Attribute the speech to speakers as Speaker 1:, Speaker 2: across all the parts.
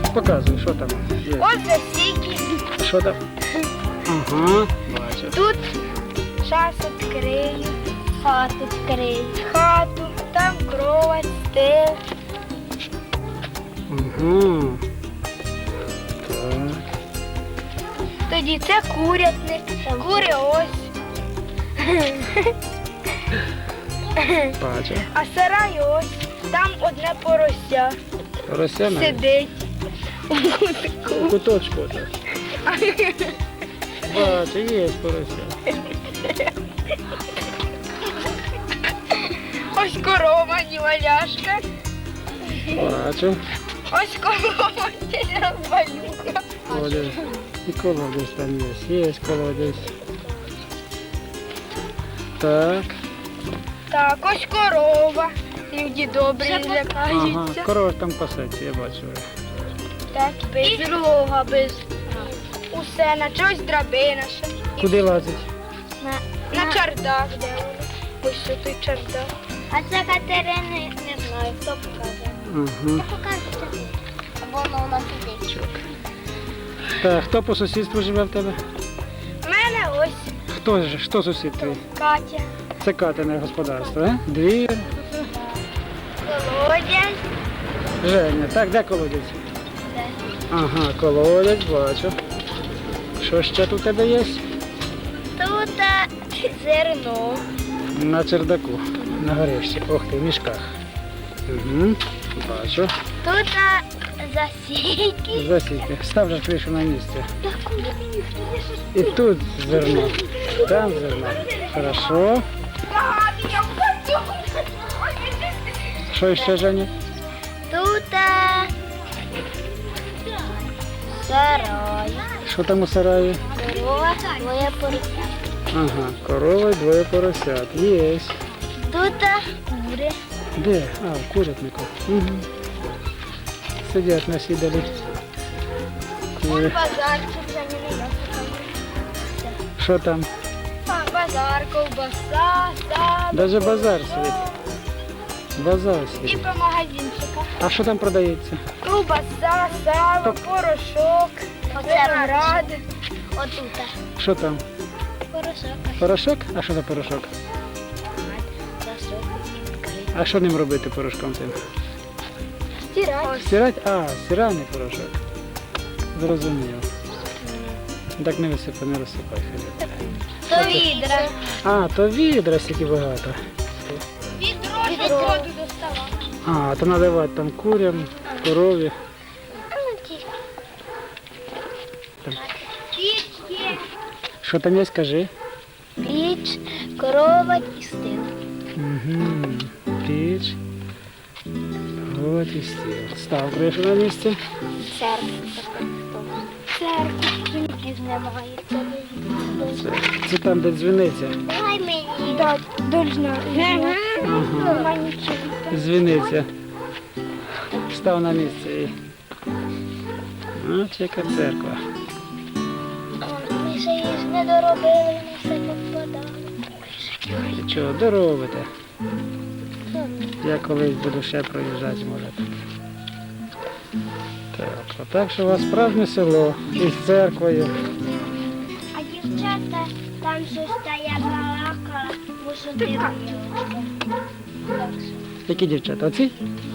Speaker 1: Показуй, що там є.
Speaker 2: Ось засіки.
Speaker 1: Що там? Ага, бачу.
Speaker 2: Тут зараз відкрию. Хату відкрию. Хату, там кровать, стел.
Speaker 1: Угу. Так.
Speaker 2: Тоді це курятник. Кури ось.
Speaker 1: Бачу.
Speaker 2: А сарай ось. Там одне порося.
Speaker 1: Порося навіть.
Speaker 2: Сидить.
Speaker 1: У куточку так. Бачу, є порося.
Speaker 2: Ось корова, неваляшка.
Speaker 1: Бачу.
Speaker 2: Ось корова, я розвалюха.
Speaker 1: Колодязь. І колодязь там є. Є колодязь. Так.
Speaker 2: Так, ось корова. Люди добрі
Speaker 1: Ага,
Speaker 2: лякаються.
Speaker 1: корова там пасеться, я бачу.
Speaker 2: Так, без рога, без усе, на чогось драбина ще.
Speaker 1: Куди лазить?
Speaker 2: На чардак, де вони. Ось що той чардак. А це Катерини, не знаю, хто показує.
Speaker 1: Ага.
Speaker 2: Покажете. Воно у нас сидить.
Speaker 1: Так, хто по сусідству живе в тебе?
Speaker 2: У мене ось
Speaker 1: Хто сусід твій?
Speaker 2: Катя.
Speaker 1: Це Катине господарство, а? Двір.
Speaker 2: Колодязь.
Speaker 1: Женя. Так, де колодязь?
Speaker 2: Де?
Speaker 1: Ага, колодязь, бачу. Що ще тут у тебе є?
Speaker 2: Тут зерно.
Speaker 1: На чердаку, на горищі. Ох ти, в мішках. Угу. Бачу.
Speaker 2: Тут засіки.
Speaker 1: Засіки. Став же кришу на місце. І тут зерно. Там зерно. Хорошо. Що ще, Женя?
Speaker 2: Тут сарай.
Speaker 1: Що там у сараї?
Speaker 2: Корова, двоє поросят.
Speaker 1: Ага, корова і двоє поросят. Є.
Speaker 2: Тут кури.
Speaker 1: Де? А, в курятнику. Угу. Сидять на сідалі.
Speaker 2: Вон базарчик за ними.
Speaker 1: Що там?
Speaker 2: Базар, ковбаса, сало.
Speaker 1: Даже базар світ. Базар
Speaker 2: І
Speaker 1: світ.
Speaker 2: по магазинчиках.
Speaker 1: А що там продається?
Speaker 2: Ковбаса, сало, порошок, виноград. Отут.
Speaker 1: Що там?
Speaker 2: Порошок.
Speaker 1: Порошок? А що за порошок? А що ним робити порошком тим?
Speaker 2: Стирать.
Speaker 1: Стирать? А, стиральний порошок. Зрозумів. Так не висипай, не розсипай.
Speaker 2: То відра.
Speaker 1: А, то відра стільки багато.
Speaker 2: Відро, щоб воду доставати.
Speaker 1: А, то наливати там курям, корові. Там. Що там є, скажи?
Speaker 2: Піч, корова і стил.
Speaker 1: Угу. Піч. От і стіл. Став кришу на місце.
Speaker 2: Церква. Церква. Жінків немає.
Speaker 1: Це там, де дзвіниця.
Speaker 2: Дай мені. Так, должна.
Speaker 1: Ага. Дзвіниця. Став на місце і... Ось яка церква.
Speaker 2: Ми ще її ж не доробили, ми все попадали.
Speaker 1: Чого, доробите. Я колись буду ще проїжджати, може. Так, отак що у вас справжнє село із церквою.
Speaker 2: А дівчата там щось та я балакала, мушу дивитися.
Speaker 1: Які дівчата? Оці?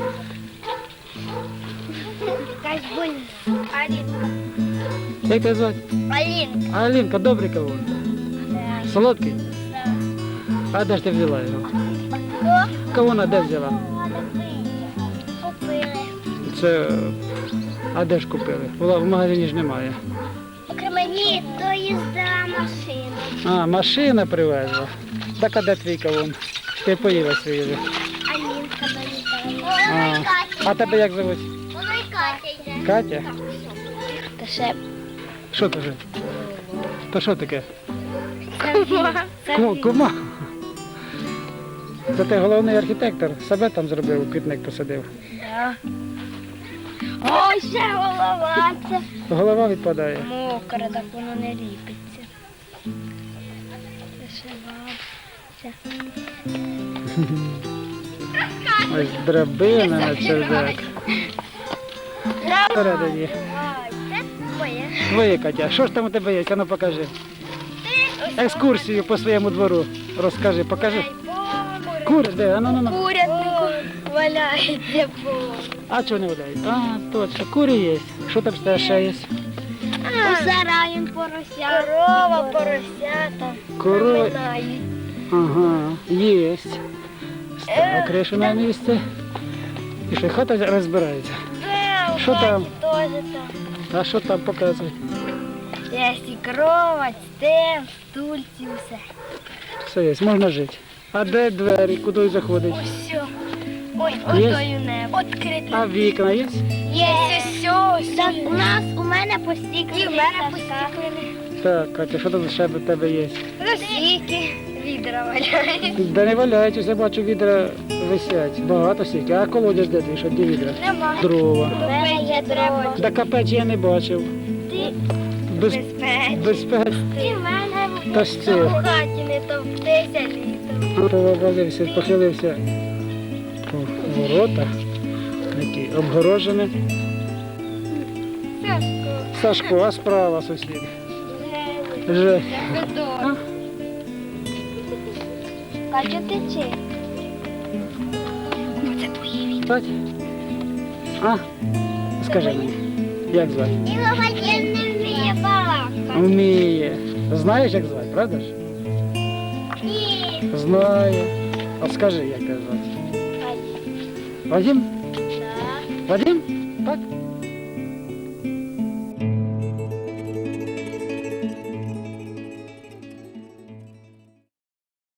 Speaker 2: Якась больна. Алінка.
Speaker 1: Як тебе звати?
Speaker 2: Алінка.
Speaker 1: Алінка, добрий кавун. Солодкий? А де ж ти взяла його? Кавуна де взяла?
Speaker 2: Купили.
Speaker 1: Це... А де ж купили? В магазині ж немає.
Speaker 2: Ні, то їздила машина.
Speaker 1: А, машина привезла. Так, а де твій кавун? Ти поїла свій вже.
Speaker 2: Алінка доїздила.
Speaker 1: А тебе як звуть?
Speaker 2: Вона й Катя йде.
Speaker 1: Катя?
Speaker 2: Та ще
Speaker 1: Що то вже? То що таке?
Speaker 2: кума.
Speaker 1: Кума. Це ти головний архітектор. Себе там зробив, квітник посадив.
Speaker 2: Ой, ще голова. Це
Speaker 1: Голова відпадає.
Speaker 2: мокра, так воно не ліпиться. Це ще бабця.
Speaker 1: Ось драбина на чердак.
Speaker 2: Драбина
Speaker 1: всередині.
Speaker 2: Це моє.
Speaker 1: Твоє, Катя. Що ж там у тебе є? А ну покажи. Екскурсію по своєму двору. Розкажи, покажи. Кури, де? А ну.
Speaker 2: Курятнику валяється повно.
Speaker 1: А чого не валяють? А, точно, кури є. Що там ще є?
Speaker 2: У сараї порося. Корова, поросята.
Speaker 1: Корова.
Speaker 2: Поминають.
Speaker 1: Ага, є. Стала кришу на місце. І що, хата розбирається.
Speaker 2: Да, у
Speaker 1: Що
Speaker 2: хаті
Speaker 1: там?
Speaker 2: теж там.
Speaker 1: А що там показує?
Speaker 2: Є і кровать, стел, стульці, все.
Speaker 1: Все є, можна жити. А де двері, куди заходить?
Speaker 2: Ось все. Ой,
Speaker 1: Є?
Speaker 2: отою небо. Відкрите.
Speaker 1: А вікна є?
Speaker 2: Є все. Так, у мене постіклені. І в мене постіклені.
Speaker 1: Так, Катя, що там ще в тебе є?
Speaker 2: Російки, відра валяють.
Speaker 1: Де не валяють, я бачу, відра висять. Багато стільки. А колодязь де ти, що де відра?
Speaker 2: Нема.
Speaker 1: Дрова.
Speaker 2: У мене є дрова.
Speaker 1: Да капець я не бачив.
Speaker 2: Ти
Speaker 1: Без,
Speaker 2: безпеч.
Speaker 1: без
Speaker 2: Ти в мене
Speaker 1: Та що?
Speaker 2: в хаті не товктися літом.
Speaker 1: Повалився, похилився по воротах, які обгорожені. Сашко, а справа сусід. Вже.
Speaker 2: Катя, тече. Це твої віки.
Speaker 1: Так? А? Скажи мені, як звати?
Speaker 2: Ілога не вміє балакати.
Speaker 1: Вміє. Знаєш, як звати, правда ж?
Speaker 2: Ні.
Speaker 1: Знаю. А скажи, як тебе звати? Вадим?
Speaker 2: Так.
Speaker 1: Вадим? Так?